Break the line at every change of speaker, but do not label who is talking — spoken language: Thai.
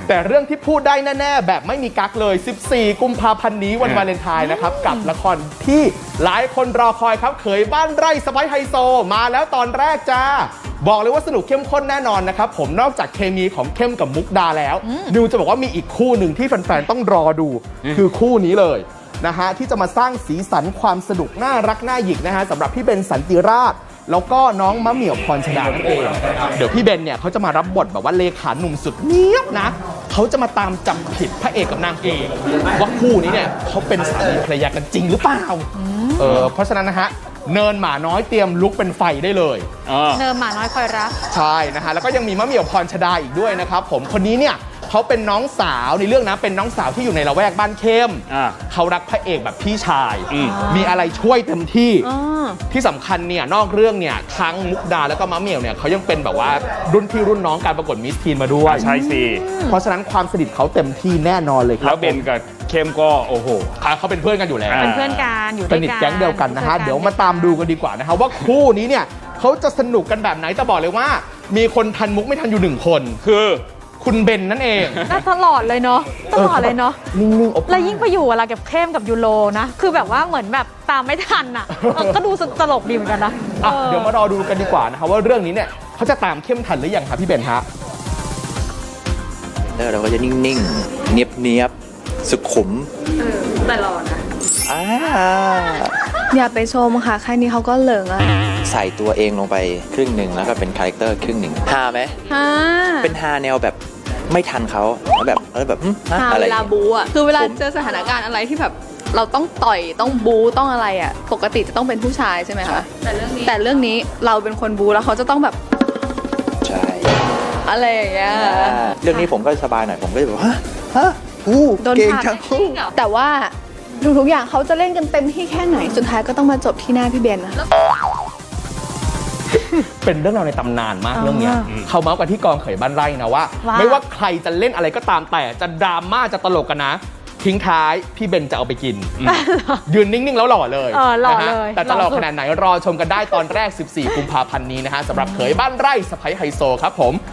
แต่เรื่องที่พูดได้แน่ๆแบบไม่มีกั๊กเลย 14 กุมภาพันธ์นี้วันวาเลนไทน์นะครับกับละครที่หลายคนรอคอยครับเขยบ้านไร่สะใภ้ไฮโซมาแล้วตอนแรกจ้าบอกเลยว่าสนุกเข้มข้นแน่นอนนะครับผมนอกจากเคมีของเข้มกับมุกดาแล้วนิวจะบอกว่ามีอีกคู่หนึ่งที่แฟนๆต้องรอดูคือคู่นี้เลยนะฮะที่จะมาสร้างสีสันความสนุกน่ารักน่าหยิกนะฮะสำหรับพี่เบนสันติราชแล้วก็น้องมะเหมี่ยวพรชดานั่นเองเดี๋ยวพี่เบนเนี่ยเขาจะมารับบทแบบว่าเลขาหนุ่มสุดเนี้ยบนะเขาจะมาตามจับผิดพระเอกกับนางเอกว่าคู่นี้เนี่ยเขาเป็นสามีภรรยากันจริงหรือเปล่าเพราะฉะนั้นนะฮะเนินหมาน้อยเตรียมลุกเป็นไฟได้เลย
เนินหมาน้อยคอยรัก
ใช่นะฮะแล้วก็ยังมีมะเหมี่ยวพรชดาอีกด้วยนะครับผมคนนี้เนี่ยเขาเป็นน้องสาวในเรื่องนะเป็นน้องสาวที่อยู่ในละแวกบ้านเข้มเขารักพระเอกแบบพี่ชายมีอะไรช่วยเต็มที่ที่สำคัญเนี่ยนอกเรื่องเนี่ยทั้งมุกดาแล้วก็มะเหมี่ยวเนี่ยเขายังเป็นแบบว่ารุ่นพี่รุ่นน้องการประกวดมิสทีนมาด้วย
ใช่สิ
เพราะฉะนั้นความสนิทเขาเต็มที่แน่นอนเลยครับ
แล้วเบนกับเข้มก็โอ้โห
เขาเป็นเพื่อนกันอยู่แล้ว
เป็นเพื่อนกันอยู่ด้วยกัน
สนิทแก๊งเดียวกันนะฮะเดี๋ยวมาตามดูกันดีกว่านะฮะว่าคู่นี้เนี่ยเขาจะสนุกกันแบบไหนแต่บอกเลยว่ามีคนทันมุกไม่ทันอยู่1คน
คือ
คุณเบนนั่นเอง
น่าตลอดเลยเนาะตลอดเลยเนาะ
นิ่งๆ
แล้วยิ่งไปอยู่อะไรกับเข้มกับยูโรนะคือแบบว่าเหมือนแบบตามไม่ทันอ่ะก็ดูตลกดีเหมือนกันนะ
เดี๋ยวมารอดูกันดีกว่านะคะว่าเรื่องนี้เนี่ยเขาจะตามเข้มทันหรือยังคะพี่เบนฮะ
เราก็จะนิ่งๆเนียบๆสุขุม
แต่รอนะ
อย่าไปชมค่ะแค่นี้เขาก็เหลิงอ่ะ
ใส่ตัวเองลงไปครึ่งหนึ่งแล้วก็เป็นคาแรคเตอร์ครึ่งหนึ่งฮาไหมเป็นฮาแนวแบบไม่ทันเขาแล้วแบบ
เวลาบูอ่ะคือเวลาเจอสถานการณ์อะไรที่แบบเราต้องต่อยต้องบูต้องอะไรอ่ะปกติจะต้องเป็นผู้ชายใช่ไหมคะแต่เรื่องนี้เราเป็นคนบูแล้วเขาจะต้องแบบ
ใช่
อะไรอย่างเงี้ย
เรื่องนี้ผมก็สบายหน่อยผมก็จะแบบ
โดนผ่านแต่ว่าทุกอย่างเขาจะเล่นกันเต็มที่แค่ไหนสุดท้ายก็ต้องมาจบที่หน้าพี่เบนนะ
เป็นเรื่องราวในตำนานมากเรื่องนี้เขาเมาส์กันที่กองเขยบ้านไร่นะว่าไม่ว่าใครจะเล่นอะไรก็ตามแต่จะดราม่าจะตลกกันนะทิ้งท้ายพี่เบนจะเอาไปกินยืนนิ่งๆแล้วหล่อเลยแต่จะหล่อขนาดไหนรอชมกันได้ตอนแรก14 กุมภาพันธ์นี้นะฮะสำหรับเขยบ้านไร่สะใภ้ไฮโซครับผม